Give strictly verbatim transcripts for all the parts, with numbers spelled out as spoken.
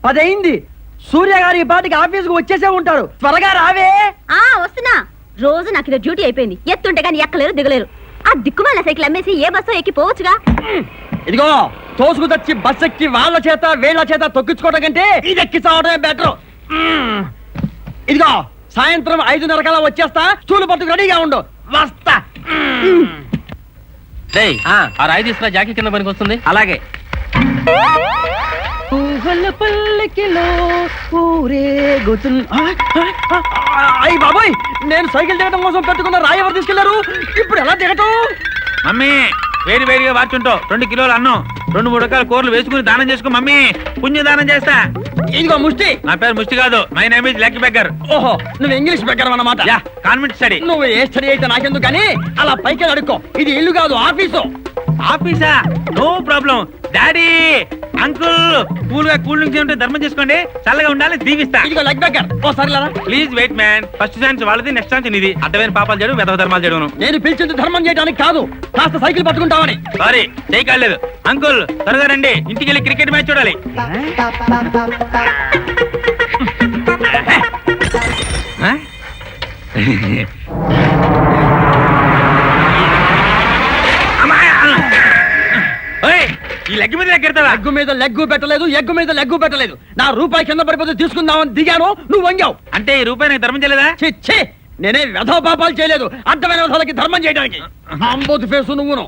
పదైంది. సూర్య గారు ఈ పాటికి ఆఫీసుకు వచ్చేసే ఉంటారు. త్వరగా రావే. ఆ వస్తున్నా. రోజు నాకు ఇది డ్యూటీ అయిపోయింది. ఎత్తుంటే కానీ ఎక్కలేరు దిగలేరు. ఆ దిక్కుమాల సైకిల్ అమ్మేసి ఏ బస్సు ఎక్కి పోవచ్చుగా. ఇదిగో తోసుకు తెచ్చి బస్ ఎక్కి వాళ్ళ చేత వీళ్ళ చేత తొక్కించుకోవడం కంటే ఇది ఎక్కి చావడమే బెటర్. ఇదిగో సాయంత్రం ఐదున్నర కల్లా వచ్చేస్తా. స్టూలు పట్టుకు రెడీగా ఉండు. వస్తా. ఆ రాయి తీసుకురా, జాకీ కింద పనికి వస్తుంది. అలాగే. అయ్యి బాబోయ్, నేను సైకిల్ దిగటం కోసం పెట్టుకున్న రాయి ఎవరు తీసుకెళ్లారు? ఇప్పుడు ఎలా దిగటం? మమ్మీ వేడి వేడిగా వార్చుంటావు. రెండు కిలోలు అన్నం, రెండు మూడు రకాల కూరలు వేసుకుని దానం చేసుకో మమ్మీ. పుణ్య దానం చేస్తా. ఇదిగో ముష్టి. నా పేరు ముష్టి కాదు, my name is lucky beggar. ఓహో, నువ్వు ఇంగ్లీష్ బెగ్గర్ అన్నమాట. Yeah, convent study. నువ్వు ఏ స్టడీ అయితే నాకెందుకు కానీ అలా పైకి అడుక్కో. ఇది ఇల్లు కాదు, ఆఫీసు. ఆఫీసా? No problem. Daddy, uncle, cool గా కూల్ డ్రింక్స్ ఉంటే ధర్మం చేసుకోండి. చల్లగా ఉండాలి, దీవిస్తా. ఇదిగో లెగ్ బెగ్గర్. ఓ సరేలా, please wait man. First chance వాళ్ళది, నెక్స్ట్ ఛాన్స్ నీది. అడ్డమైన పాపాలు చేయడం, వెధవ ధర్మాలు చేయడం. నేను పిలిచింది ధర్మం చేయడానికి కాదు, కాస్త సైకిల్ పట్టుకుంటామని. సారీ, చేయకాలేదు. అంకుల్ త్వరగా రండి, ఇంటికి వెళ్ళి క్రికెట్ మ్యాచ్ చూడాలి. ఈ లెగ్ మీద లెగ్గెడతావా? లెగ్గు మీద లెగ్గు పెట్టలేదు, ఎగ్గు మీద లెగ్గు పెట్టలేదు. నా రూపాయి కింద పడిపోతే తీసుకుందామని దిగాను, నువ్వు వంగావు. అంటే ఈ రూపాయి నాకు ధర్మం చేయలేదా? చిచ్చే, నేనే వ్యధో పాపాలు చేయలేదు. అడ్డమైన వ్యధాలకి ధర్మం చేయడానికి. అంబోతు ఫేసు నువ్వును.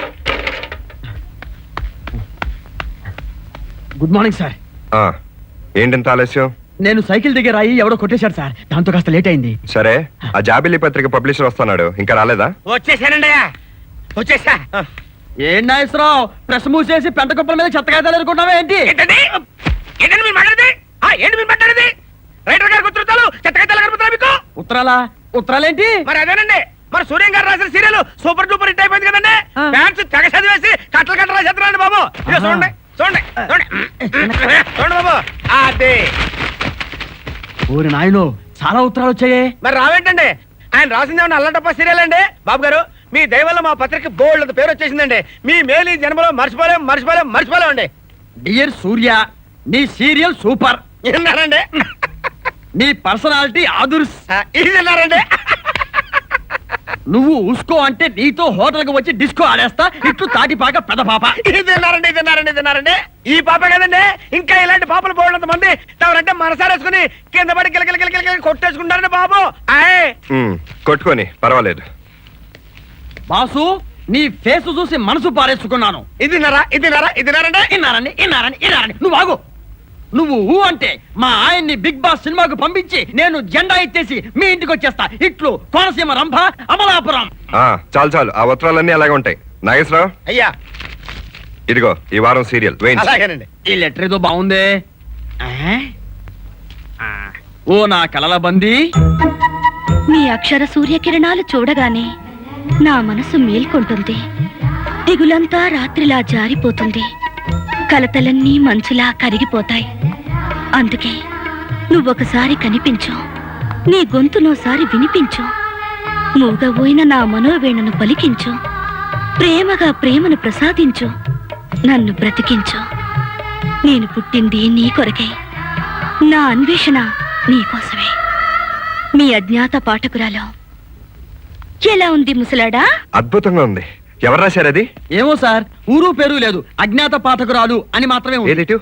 Good morning sir. ఏంటంత ఆలస్యం? నేను సైకిల్ దగ్గర అయ్యి ఎవడో కొట్టేశాడు సార్, దాంతో కాస్త లేట్ అయింది. సరే, ఆ జాబిలి పత్రిక పబ్లిషర్ వస్తున్నాడు, ఇంకా రాలేదా? వచ్చేసానండి, వచ్చేసా. ఏం నాగేశ్వరరావు, ప్రెస్ మూసేసి పెంట కుప్పల మీద చెత్తకాయతాలు ఎదుర్కొంటావా ఏంటి? ఏంటండి ఏంటండి మీరు మాట్లాడేది? ఏంటి మీరు మాట్లాడేది? రైటర్ గారికి ఉత్తరాలు, చెత్తకాయతాలు కనపడుతున్నా మీకు? ఉత్తరాలా? ఉత్తరాలేంటి? మరి అదేనండి, మరి సూర్యం గారు రాసిన సీరియల్ సూపర్ డూపర్ హిట్ అయిపోయింది కదండి. ఫ్యాన్స్ తెగ చదివేసి కట్టలు కట్టలు రాసేస్తున్నారండి బాబు. ఇదిగో చూడండి చూడండి చూడండి చూడండి బాబు. అదే ఊరి నాయనో, చాలా ఉత్తరాలు వచ్చాయే. మరి రావేంటండి? ఆయన రాసింది ఏమన్నా అల్లటప్ప సీరియల్ అండి? బాబు గారు, మీ దయ వల్ల మా పత్రిక బోల్డ్ అంత పేరు వచ్చేసిందండి. మీ మేలు ఈ జన్మలో మర్చిపోలేం మర్చిపోలేం మర్చిపోలేం అండి. డియర్ సూర్య, నీ సీరియల్ సూపర్. విన్నారండి? నీ పర్సనాలిటీ ఆదుర్స్. ఇది విన్నారండి? నువ్వు ఉస్కో అంటే నీతో హోటల్ కి వచ్చి డిస్కో ఆడేస్తా. ఇట్లు తాటిపాక పెద్ద పాప. ఇది విన్నారండి, ఇది విన్నారండి, ఇది విన్నారండి. ఈ పాప కదండి, ఇంకా ఇలాంటి పాపలు బోల్డ్ మంది తమరంటే మనసారేసుకుని కింద పడి కిలకిల కిలకిల కొట్టేసుకుంటారండి బాబు. ఆయ్ కొట్టుకొని పర్వాలేదు. బాసు, నీ ఫేస్ చూసి మనసు పారేసుకున్నాను. ఇది నరా ఇది నరా ఇది నరండి ఇన్నారని ఇన్నారని ఇన్నారని నువ్వు ఆగు. నువ్వు ఊ అంటే మా ఆయన్ని బిగ్ బాస్ సినిమాకు పంపించి నేను జెండా ఎత్తేసి మీ ఇంటికి వచ్చేస్తా. ఇట్లు కోనసీమ రంభ అమలాపురం. చాలు చాలు, ఆ ఉత్తరాలన్నీ అలాగే ఉంటాయి. నాగేశ్వరరావు, అయ్యా ఇదిగో ఈ వారం సీరియల్. అలాగేనండి. ఈ లెటర్ ఏదో బాగుందే. ఓ నా కలల బందీ, మీ అక్షర సూర్యకిరణాలు చూడగానే నా మనసు మేల్కొంటుంది. దిగులంతా రాత్రిలా జారిపోతుంది. కలతలన్నీ మంచులా కరిగిపోతాయి. అందుకే నువ్వొకసారి కనిపించు, నీ గొంతునోసారి వినిపించు, మూగబోయిన నా మనోవేణను పలికించు, ప్రేమగా ప్రేమను ప్రసాదించు, నన్ను బ్రతికించు. నేను పుట్టింది నీ కొరకే, నా అన్వేషణ నీకోసమే. మీ అజ్ఞాత పాఠకురాలు. ఎలా ఉంది ముసలాడా? అద్భుతంగా ఉంది. ఎవరు రాశారు అది? ఏమో సార్, ఊరు పేరు లేదు, అజ్ఞాత పాఠకురాలు అని మాత్రమే ఉంది.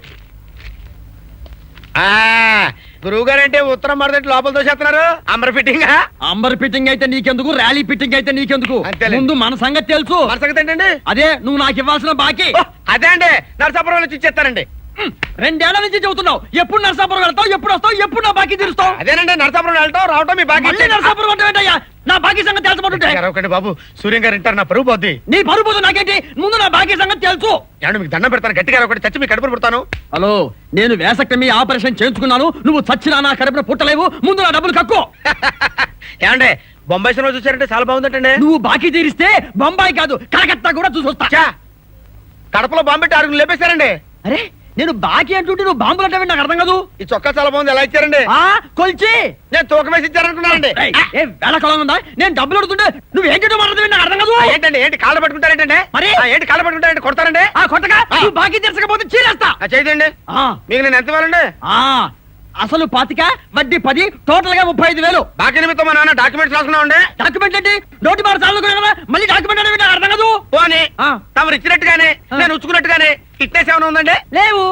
గురువు గారు అంటే ఉత్తరం మరదటి లోపల దోసేస్తున్నారు. అంబర్ ఫిట్టింగ్ అంబర్ ఫిట్టింగ్ అయితే నీకెందుకు, ర్యాలీ ఫిట్టింగ్ అయితే నీకెందుకు? ముందు మన సంగతి తెలుసు. మన సంగతి ఏంటండి? అదే నువ్వు నాకు ఇవ్వాల్సిన బాకీ. అదే అండి, నరసాపురం వచ్చి ఇచ్చేస్తానండి. రెండేళ్ల నుంచి చెబుతున్నావు, ఎప్పుడు నరసాపురం వెళ్తావు, ఎప్పుడు వస్తావు, ఎప్పుడు నా బాకీ తీరుస్తావు? అదేనండి, నరసాపురం వెళ్ళటం రావటం మీ బాకీ. నరసాపురం అంటే ఏంటయ్యా? నా బాకీ సంగతి తెలుసుకుంటుంటే బాబు. సూర్యం గారు ఇంటారు, నా పరువు పోద్ది. నీ పరువు పోదు నాకేంటి, ముందు నా బాకీ సంగతి తెలుసు. ఏమంటే మీకు దండం పెడతాను, గట్టిగా ఒకటి చచ్చి మీ కడుపును పుడతాను. హలో, నేను వేసక్టమీ ఆపరేషన్ చేయించుకున్నాను, నువ్వు చచ్చినా నా కడుపున పుట్టలేవు. ముందు నా డబ్బులు కక్కు. ఏమంటే బొంబాయి సినిమా చూసారంటే చాలా బాగుందంటే. నువ్వు బాకీ తీరిస్తే బొంబాయి కాదు కలకత్తా కూడా చూసొస్తా. కడపలో బాంబెట్టి ఆరుగురు లేపేశారండి. అరే నేను బాకీ అంటుంటే నువ్వు బాంబులు అంటే నాకు అర్థం కాదు. ఈ చొక్కా చాలా బాగుంది, ఎలా ఇచ్చారండి? ఆ కొల్చి నేను తూకం వేసి ఇచ్చారనుకున్నానండి. ఏయ్, ఏ వేళకాలం ఉందా? నేను డబ్బులు అడుగుతుంటే నువ్వు ఏంటో మాట్లాడుతుంది నాకు అర్థం కాదు. ఆ, ఏంటండి ఏంటి కాళ్ళు పట్టుకుంటారేంటంటే? మరి? ఆ, ఏంటి కాళ్ళు పట్టుకుంటారంటే కొడతారండి? ఆ కొట్టగా నువ్వు బాకీ తీర్చకపోతే చీరేస్తా. ఆ, చేయండి. ఆ, మీకు నేను ఎంత ఇవ్వాలండి? ఆ, అసలు పాతిక వడ్డీ పది టోటల్ గా ముప్పై ఐదు వేలు. బాకీ నిమిత్తం మా నాన్న డాక్యుమెంట్స్ రాసుకున్నామండి. డాక్యుమెంట్ ఏంటి? నోటి మాట చాలు కదా, మళ్ళీ డాక్యుమెంట్ అనేది నాకు అర్థం కాదు. పోనీ ఆ. తమరు ఇచ్చినట్టుగానే ఆ. నేను ఉచ్చుకున్నట్టుగానే ఫిట్నెస్ ఏమైనా ఉందండి? లేవు.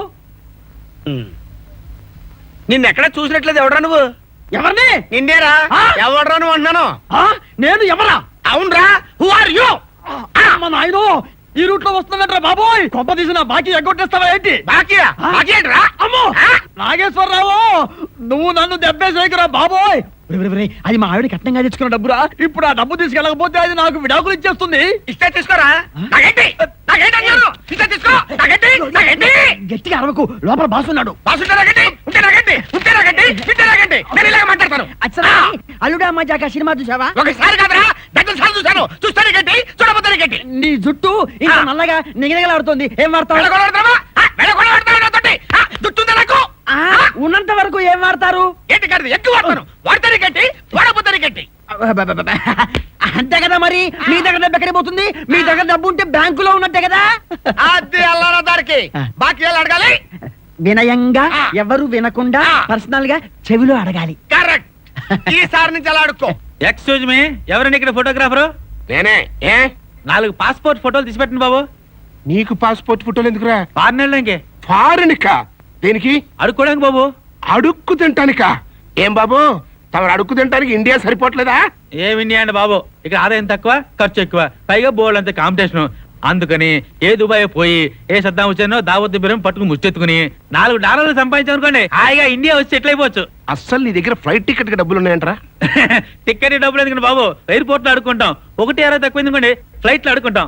నిన్న ఎక్కడ చూసినట్లేదు, ఎవడరా నువ్వు? ఎవరిని? నిన్నేరా? ఆ. ఎవడరా నువ్వు అన్నాను? ఆ, నేను ఎవరా? అవునరా, హూ ఆర్ యూ? అమ్మ నాయనో, ఈ రూట్ లో వస్తున్నట్రా బాబోయ్. కొంప తీసిన బాకీ ఎగ్గొట్టేస్తావా ఏంటి? బాకీయా? ఆ. బాకీ ఏంట్రా? అమ్మో ఆ. నాగేశ్వరరావు, నువ్వు నన్ను దెబ్బేసేకురా బాబోయ్. ఒరేయ్, ఒరేయ్, ఒరేయ్, అది మా ఆవిడ కట్నంగా తెచ్చుకున్న డబ్బురా. ఇప్పుడు ఆ డబ్బు తీసుకెళ్ళకపోతే అది నాకు విడాకులు ఇచ్చేస్తుంది. ఇస్తే తీసుకోరా. నాకేంటి? నాకేంటి అన్నారు? ఇస్తే తీసుకో. నాకేంటి? నాకేంటి? గట్టిగా అరవకు, లోపల బాసున్నాడు. బాసుంటే నాకేంటి? ఉంటే నాకేంటి? ఉంటే నాకేంటి? ఉంటే నాకేంటి? నేను ఇలాగ మాట్లాడతాను. అచ్చరా, అల్లుడా మజాక సినిమా చూసావా? ఒకసారి కాదురా, దగ్గర సార్లు చూశాను. చూస్తే నీకేంటి? చూడబోతే నీకేంటి? నీ జుట్టు ఇంకా ఆ. నల్లగా నిగనిగలాడుతుంది. ఏం వాడతావు? వెళ్ళగొడతావా? ఆ, వెళ్ళగొడతావా నాతోటి? ఆ, జుట్టుందా నాకు? ఆ, ఉన్నంత వరకు ఏం వాడతారు? ఏంటి కాదు, ఎక్కువ వాడతాను. వాడితే నీకేంటి? వాడబోతే నీకేంటి? అంతే కదా మరి. మీ దగ్గర డబ్బు ఎక్కడికి పోతుంది? మీ దగ్గర డబ్బు ఉంటే బ్యాంకులో ఉన్నట్టే కదా. అది అల్లారా దారికి బాకీ ఎలా అడగాలి? వినయంగా, ఆ. ఎవరు వినకుండా ఆ. పర్సనల్ గా చెవిలో అడగాలి. కరెక్ట్. ఈసారి నుంచి అలా అడుక్కో. ఎక్స్క్యూజ్ మీ, ఎవరండి ఇక్కడ ఫోటోగ్రాఫరు? నేనే. ఏ నాలుగు పాస్పోర్ట్ ఫోటోలు తీసి పెట్టండి బాబు. నీకు పాస్పోర్ట్ ఫోటోలు ఎందుకురా? ఫారెన్ ఇంకే ఫారెన్కా? దేనికి? అడుక్కోడానికి బాబు. అడుక్కు తింటానికా? ఏం బాబు, తమరు అడుక్కు తింటానికి ఇండియా సరిపోవట్లేదా? ఏం ఇండియా అండి బాబు, ఇక్కడ ఆదాయం తక్కువ ఖర్చు ఎక్కువ, పైగా బోర్డు అంత కాంపిటీషన్. అందుకని ఏ దుబాయ్ పోయి ఏ సద్దాం వచ్చానో దావత్ బిర్యం పట్టుకుని ముచ్చెత్తుకుని నాలుగు డాలర్లు సంపాదించామనుకోండి, హాయిగా ఇండియా వచ్చి సెటిల్ అయిపోవచ్చు. అస్సలు నీ దగ్గర ఫ్లైట్ టికెట్ కి డబ్బులు ఉన్నాయంటరా? టికెట్ డబ్బులు ఎందుకండి బాబు, ఎయిర్పోర్ట్ లో అడుకుంటాం. ఒకటి అరవై తక్కువ ఎందుకండి, ఫ్లైట్ లో అడుకుంటాం.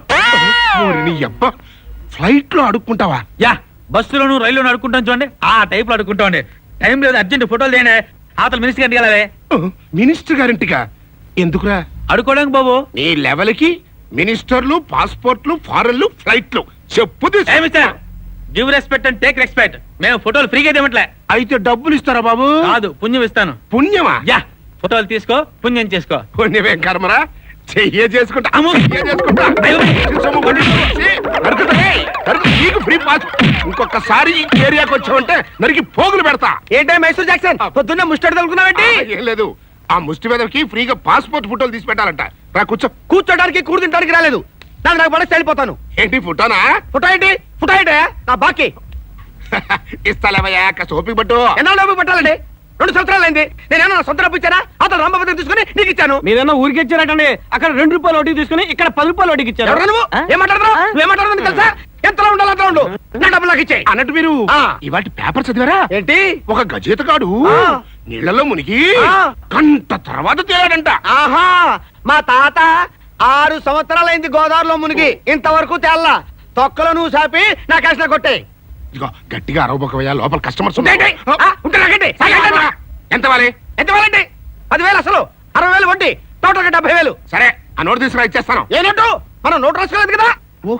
ఓరి నీ అబ్బా, ఫ్లైట్ లో అడుక్కుంటావా? యా, బస్సులోను రైల్లోను అడుకుంటాం చూడండి, ఆ టైప్ లో అడుకుంటాం అండి. టైం లేదు, అర్జెంట్ ఫోటోలు తేండి. ఆతల మినిస్టర్ గారికి వెళ్ళాలి. మినిస్టర్ గారింటికా? ఎందుకురా? అడుకోవడానికి బాబు. నీ లెవెల్ కి మినిస్టర్లు, పాస్పోర్ట్లు, ఫారెన్లు, ఫ్లైట్లు చెప్పు తీసుకో. ఏ mister, give respect and take respect. మేము ఫోటోలు ఫ్రీగా ఇవ్వట్లే. అయితే డబ్బులు ఇస్తారా బాబు? కాదు, పుణ్యం ఇస్తాను. పుణ్యమా? యా, ఫోటోలు తీసుకో, పుణ్యం చేసుకో. పుణ్యమేం కర్మరా, చెయ్యే చేసుకుంటా. అమ్మో. చెయ్యే చేసుకుంటా. అయ్యో. సొమ్ము కొట్టి చూసి, నరుకుతా. నరుకు, నీకు ఫ్రీ పాస్. ఇంకొకసారి ఈ ఏరియాకి వచ్చావంటే నరికి పోగులు పెడతా. ఏంటే మైసూర్ జాక్సన్ పొద్దున్నే ముస్టడి తలుకున్నావేంటి? ఆ, ఏం లేదు, ఆ ముష్టి మీదకి ఫ్రీగా పాస్పోర్ట్ ఫోటోలు తీసి పెట్టాలంట. రా కూర్చో. కూర్చోడానికి కూడు తింటానికి రాలేదు. నాకు నాకు పడేసి వెళ్ళిపోతాను. ఏంటి ఫోటోనా? ఫుటా ఏంటి? ఫుటా ఏంటి? నా బాకీ ఇస్తాలేవయ్యా, కాస్త ఓపిక పట్టు. ఎన్నాళ్ళు డబ్బు పెట్టాలండి? రెండు సంవత్సరాలు అయింది. నేనేమన్నా సొంత డబ్బు ఇచ్చానా? అతను రామభద్రం తీసుకుని నీకు ఇచ్చాను. మీరేమో ఊరికి ఇచ్చారటండి. అక్కడ రెండు రూపాయలు వడ్డీ తీసుకుని ఇక్కడ పది రూపాయలు వడ్డీకి ఇచ్చారు. ఎవరు నువ్వు? ఏం మాట్లాడుతున్నావు? నువ్వేం మాట్లాడుతున్నావు తెలుసా? ఎంతలో ఉండాలి అంతలో ఉండు. నా డబ్బులు నాకు ఇచ్చేయి. అన్నట్టు మీరు ఆ. ఇవాటి పేపర్ చదివారా? ఏంటి? ఒక గజేతగాడు ఆ. నీళ్లలో మునిగి ఆ. గంట తర్వాత తేలాడంట. ఆహా, మా తాత ఆరు సంవత్సరాలైంది గోదావరిలో మునిగి ఇంతవరకు తేల్లా. తొక్కలో నువ్వు సాపి నా కష్ట కొట్టే. ఇదిగో గట్టిగా అరవబోకవయ్యా, లోపల కస్టమర్స్ ఉంటే నాకండి. ఎంత వాలి? ఎంత వేలండి? పదివేలు అసలు, అరవై వేలు వడ్డీ, టోటల్ గా డెబ్బై వేలు. సరే, ఆ నోటు తీసుకురా, ఇచ్చేస్తాను. ఏ నోటు? మనం నోటు రాసుకోలేదు కదా.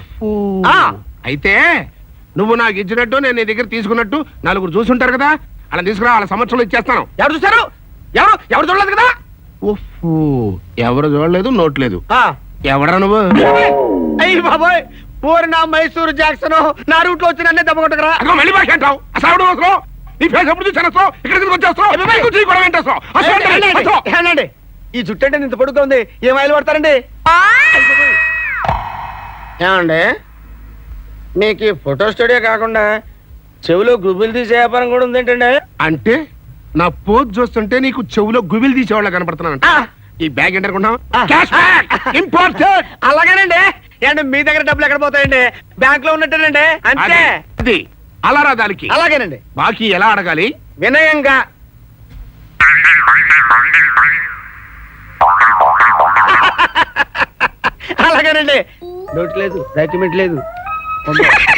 ఆ. అయితే నువ్వు నాకు ఇచ్చినట్టు నేను నీ దగ్గర తీసుకున్నట్టు నలుగురు చూసుంటారు కదా, అలా తీసుకురా, వాళ్ళ సంవత్సరంలో ఇచ్చేస్తాను. ఎవరు చూశారు? ఎవరు ఎవరు చూడలేదు కదా. ఓహో, ఎవరు చూడలేదు, నోట్ లేదు. ఆ. ఎవడరా నువ్వు? అయ్యి బాబోయ్, ఊరి నా మైసూరు జాక్సన్ నా రూట్ లో వచ్చి నన్నే దెబ్బ కొట్టకరా. అదిగో మళ్ళీ బాగా అంటావు. అసలు ఎవడు అవసరం? నీ ఫేస్ ఎప్పుడు చూసాను? ఇక్కడ ఎందుకు వచ్చేస్తావు? నీకు చీ కూడా ఏంటేస్తావు? అసలు ఏంటి? ఏనండి, అసలు. ఏనండి, ఈ జుట్టు అంటే ఇంత పొడుగ్గా ఉంది, ఏం ఆయిల్ పడతారండి? ఏమండి, మీకు ఈ ఫోటో స్టూడియో కాకుండా చెవిలో గుబులు తీసే వ్యాపారం కూడా ఉంది ఏంటండి? అంటే నా పోజ్ చూస్తుంటే నీకు చెవులో గుబిలు తీసేవాళ్ళ కనపడుతున్నానంట. ఆ. ఈ బ్యాగ్ ఏంటనుకున్నావు? ఆ. Cash bag, important. అలాగేనండి. ఏంటి మీ దగ్గర డబ్బులు ఎక్కడ పోతాయండి? బ్యాంక్ లో ఉన్నట్టేనండి, అంతే. అది అలా రా దానికి. అలాగేనండి. బాకీ ఎలా అడగాలి? వినయంగా. అలాగేనండి. నోట్ లేదు, డాక్యుమెంట్ లేదు.